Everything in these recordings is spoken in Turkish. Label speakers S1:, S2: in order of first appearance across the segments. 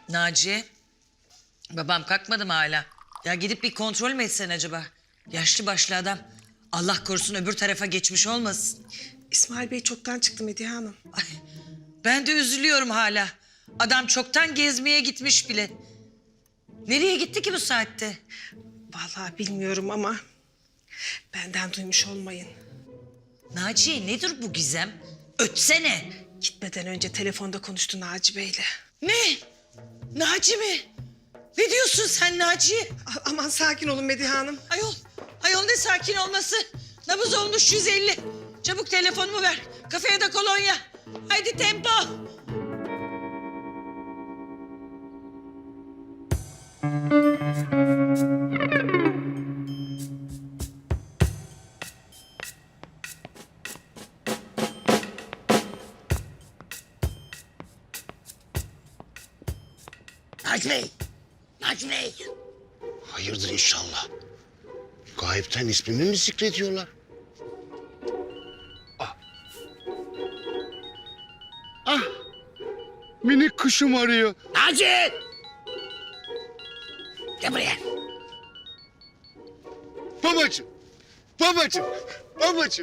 S1: Naciye, babam kalkmadı mı hala? Ya gidip bir kontrol mü etsen acaba? Yaşlı başlı adam. Allah korusun öbür tarafa geçmiş olmasın.
S2: İsmail Bey çoktan çıktı Medihe Hanım.
S1: Ay, ben de üzülüyorum hala. Adam çoktan gezmeye gitmiş bile. Nereye gitti ki bu saatte?
S2: Vallahi bilmiyorum ama benden duymuş olmayın.
S1: Naciye nedir bu gizem? Ötsene.
S2: Gitmeden önce telefonda konuştu Naci Bey'le.
S1: Ne? Naci mi? Ne diyorsun sen Naciye?
S2: Aman sakin olun Medihe Hanım.
S1: Ayol ne sakin olması? Nabız olmuş 150. Çabuk telefonumu ver. Kafeye de kolonya. Haydi tempo.
S3: Naci Bey! Naci Bey!
S4: Hayırdır inşallah. Gayipten ismimi mi zikrediyorlar? Ah! Minik kuşum arıyor.
S3: Naci! Gel buraya.
S4: Babacığım! Babacığım! Babacığım!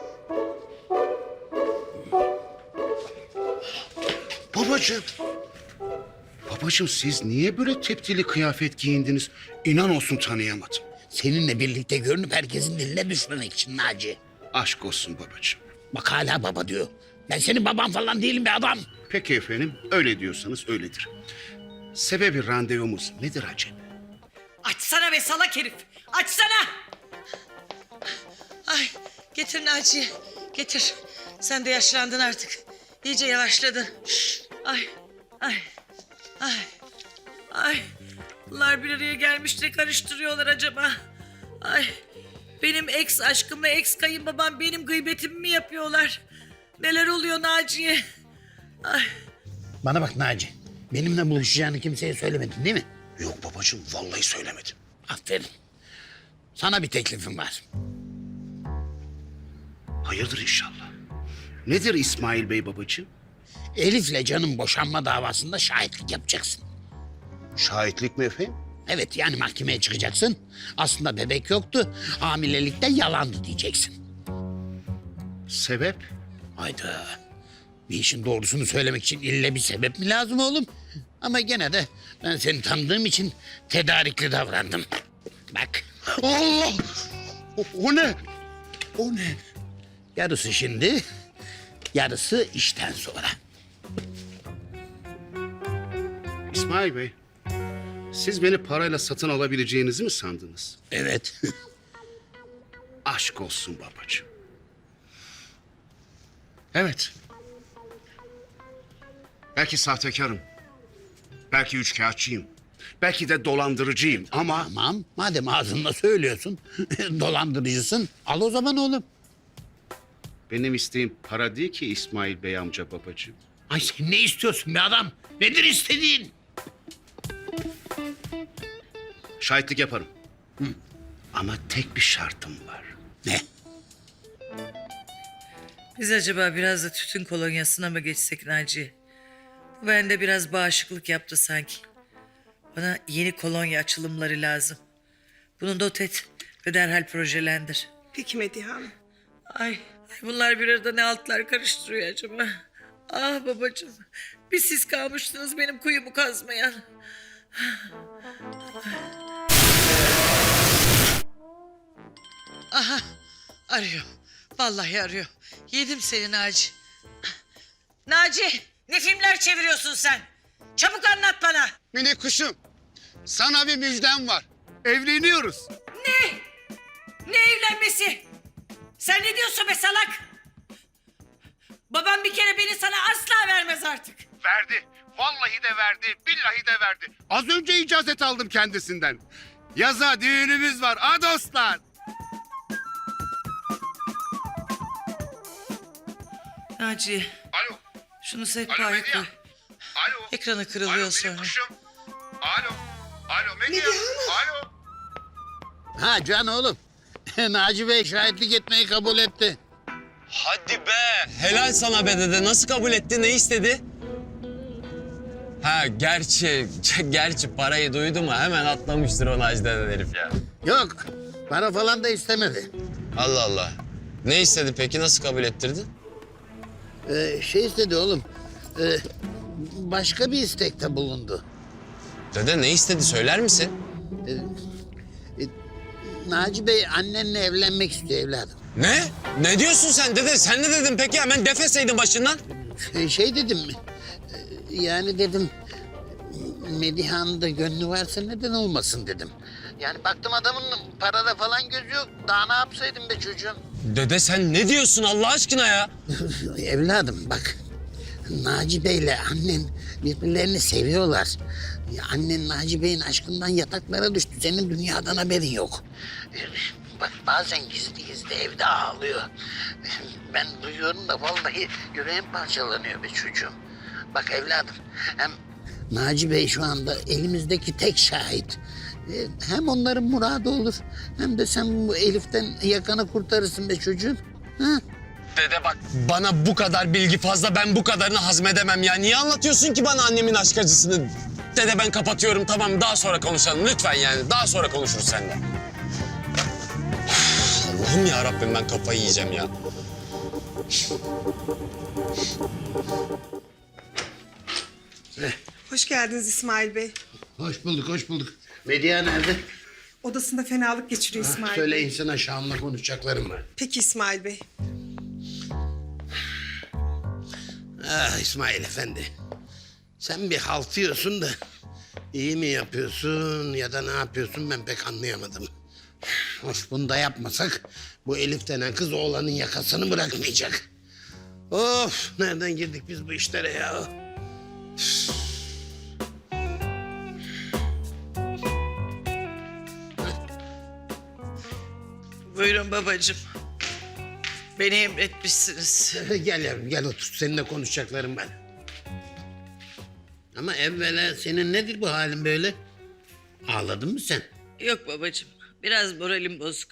S4: Babacığım! Babacığım siz niye böyle teptili kıyafet giyindiniz? İnan olsun tanıyamadım.
S3: Seninle birlikte görünüp herkesin diline düşmemek için Naci.
S4: Aşk olsun babacığım.
S3: Bak hala baba diyor. Ben senin baban falan değilim be adam.
S4: Peki efendim, öyle diyorsanız öyledir. Sebebi randevumuz nedir acaba?
S1: Açsana be salak herif. Açsana. Ay getir Naciye. Getir. Sen de yaşlandın artık. İyice yavaşladın. Ay. Ay. Ay. Ay. Bunlar bir araya gelmiş ne karıştırıyorlar acaba? Ay. Benim ex aşkımla ex kayınbabam benim gıybetimi mi yapıyorlar? Neler oluyor Naciye? Ay.
S3: Bana bak Naci. Benimle buluşacağını kimseye söylemedin değil mi?
S4: Yok babacığım, vallahi söylemedim.
S3: Aferin. Sana bir teklifim var.
S4: Hayırdır inşallah. Nedir İsmail Bey babacığım?
S3: Elif'le Can'ın boşanma davasında şahitlik yapacaksın.
S4: Şahitlik mi efendim?
S3: Evet yani mahkemeye çıkacaksın. Aslında bebek yoktu. Hamilelikte yalandı diyeceksin.
S4: Sebep?
S3: Hayda. Bir işin doğrusunu söylemek için ille bir sebep mi lazım oğlum? Ama gene de ben seni tanıdığım için tedarikli davrandım. Bak.
S4: Allah! O ne? O ne?
S3: Yarısı şimdi, yarısı işten sonra.
S4: İsmail Bey, siz beni parayla satın alabileceğinizi mi sandınız?
S3: Evet.
S4: Aşk olsun babacığım. Evet. Belki sahtekarım. Belki üçkağıtçıyım. Belki de dolandırıcıyım ama...
S3: Tamam, madem ağzınla söylüyorsun, dolandırıcısın. Al o zaman oğlum.
S4: Benim isteğim para değil ki İsmail Bey amca babacığım.
S3: Ay sen ne istiyorsun be adam? Nedir istediğin?
S4: Şahitlik yaparım. Ama tek bir şartım var.
S3: Ne?
S1: Biz acaba biraz da tütün kolonyasına mı geçsek Naciye? Bu bende biraz bağışıklık yaptı sanki. Bana yeni kolonya açılımları lazım. Bunu not et ve derhal projelendir.
S2: Peki Medihe Hanım.
S1: Ay bunlar bir arada ne altlar karıştırıyor acaba? Ah babacığım, bir siz kalmıştınız benim kuyumu kazmayan. Aha, arıyor. Vallahi arıyor. Yedim seni Naci. Naci, ne filmler çeviriyorsun sen? Çabuk anlat bana.
S4: Minik kuşum, sana bir müjdem var. Evleniyoruz.
S1: Ne? Ne evlenmesi? Sen ne diyorsun be salak? Babam bir kere beni sana asla vermez artık.
S4: Verdi. Vallahi de verdi. Billahi de verdi. Az önce icazet aldım kendisinden. Yaza düğünümüz var. Ha dostlar.
S1: Naci,
S4: Alo.
S1: şunu
S4: Alo
S1: sehpaya
S4: Medya.
S1: koy.
S4: Alo.
S1: Ekranı kırılıyor
S4: Alo
S1: sonra.
S4: minik kuşum. Alo. Alo Medya. Alo.
S3: Ha Can oğlum. Naci Bey şahitlik etmeyi kabul etti.
S5: Hadi be. Helal sana be dede. Nasıl kabul etti? Ne istedi? Ha gerçi parayı duydu mu hemen atlamıştır o Naci denen herif ya.
S3: Yok, para falan da istemedi.
S5: Allah Allah. Ne istedi peki, nasıl kabul ettirdi?
S3: Şey istedi oğlum, başka bir istekte bulundu.
S5: Dede ne istedi söyler misin?
S3: Naci Bey annenle evlenmek istiyor evladım.
S5: Ne? Ne diyorsun sen dede? Sen ne dedin peki? Hemen defeseydin başından.
S3: Şey dedim, yani dedim, Medihan'ın da gönlü varsa neden olmasın dedim. Yani baktım adamın parada falan gözü yok. Daha ne yapsaydım be çocuğum?
S5: Dede sen ne diyorsun Allah aşkına ya?
S3: Evladım bak, Naci Bey'le annen birbirlerini seviyorlar. Ya annen Naci Bey'in aşkından yataklara düştü. Senin dünyadan haberin yok. Bak bazen gizli gizli evde ağlıyor. Ben duyuyorum da vallahi yüreğim parçalanıyor be çocuğum. Bak evladım, hem Naci Bey şu anda elimizdeki tek şahit. Hem onların muradı olur, hem de sen bu Elif'ten yakanı kurtarırsın be çocuğum. Ha?
S5: Dede bak bana bu kadar bilgi fazla, ben bu kadarını hazmedemem ya. Niye anlatıyorsun ki bana annemin aşk acısını? Dede ben kapatıyorum, tamam, daha sonra konuşalım lütfen yani. Daha sonra konuşuruz seninle. Allah'ım ya Rabbim, ben kafayı yiyeceğim ya.
S2: Hoş geldiniz İsmail Bey.
S3: Hoş bulduk, hoş bulduk. Medya nerede?
S2: Odasında fenalık geçiriyor İsmail
S3: Söyle
S2: Bey.
S3: insana Şam'la konuşacaklarım var.
S2: Peki İsmail Bey.
S3: Ah İsmail Efendi. Sen bir haltıyorsun da iyi mi yapıyorsun ya da ne yapıyorsun ben pek anlayamadım. Hoş bunu da yapmasak bu Elif denen kız oğlanın yakasını bırakmayacak. Of nereden girdik biz bu işlere ya?
S1: Buyurun babacığım. Beni emretmişsiniz.
S3: Gel yavrum gel otur seninle konuşacaklarım var. Ama evvela senin nedir bu halin böyle? Ağladın mı sen?
S1: Yok babacığım. Biraz moralim bozuk.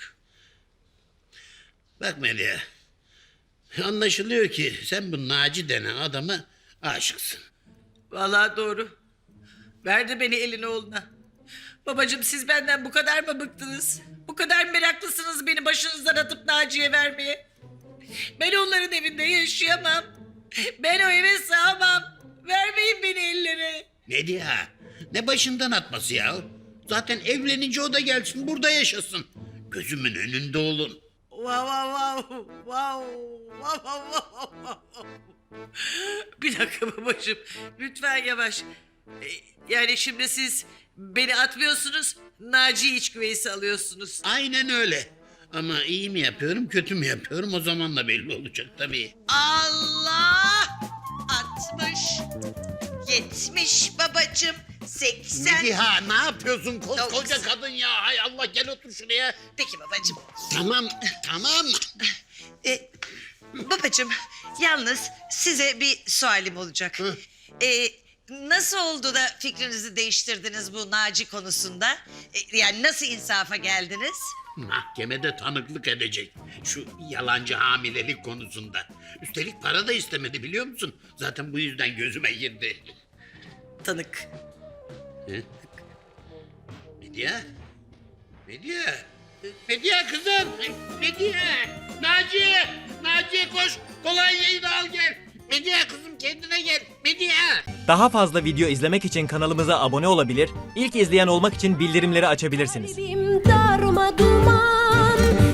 S3: Bak Medya. Anlaşılıyor ki sen bu Naci denen adama aşıksın.
S1: Vallahi doğru. Verdi beni elin oğluna. Babacığım siz benden bu kadar mı bıktınız? Bu kadar meraklısınız beni başınızdan atıp Naciye vermeye. Ben onların evinde yaşayamam. Ben o eve sığamam. Vermeyin beni ellere.
S3: Medya ne başından atması ya? Zaten evlenince o da gelsin burada yaşasın. Gözümün önünde olun.
S1: Vav vav vav vav vav vav vav vav. Bir dakika babacığım. Lütfen yavaş. Yani şimdi siz beni atmıyorsunuz. Naciye iç güveysi alıyorsunuz.
S3: Aynen öyle. Ama iyi mi yapıyorum kötü mü yapıyorum o zaman da belli olacak tabii.
S6: Allah! 60, 70 babacığım, 80.
S3: Mediha ne yapıyorsun koskoca
S6: 90.
S3: kadın ya? Hay Allah gel otur şuraya.
S6: Peki babacığım.
S3: Tamam.
S6: Babacığım, yalnız size bir sualim olacak. Nasıl oldu da fikrinizi değiştirdiniz bu Naci konusunda? Yani nasıl insafa geldiniz?
S3: Mahkemede tanıklık edecek şu yalancı hamilelik konusunda. Üstelik para da istemedi biliyor musun? Zaten bu yüzden gözüme girdi.
S1: Tanık.
S3: Medya? Medya kızım! Medya! Naciye koş! Kolonyayı da al gel! Medya kızım kendine gel! Medya!
S7: Daha fazla video izlemek için kanalımıza abone olabilir, ilk izleyen olmak için bildirimleri açabilirsiniz.
S8: Kalbim darma duman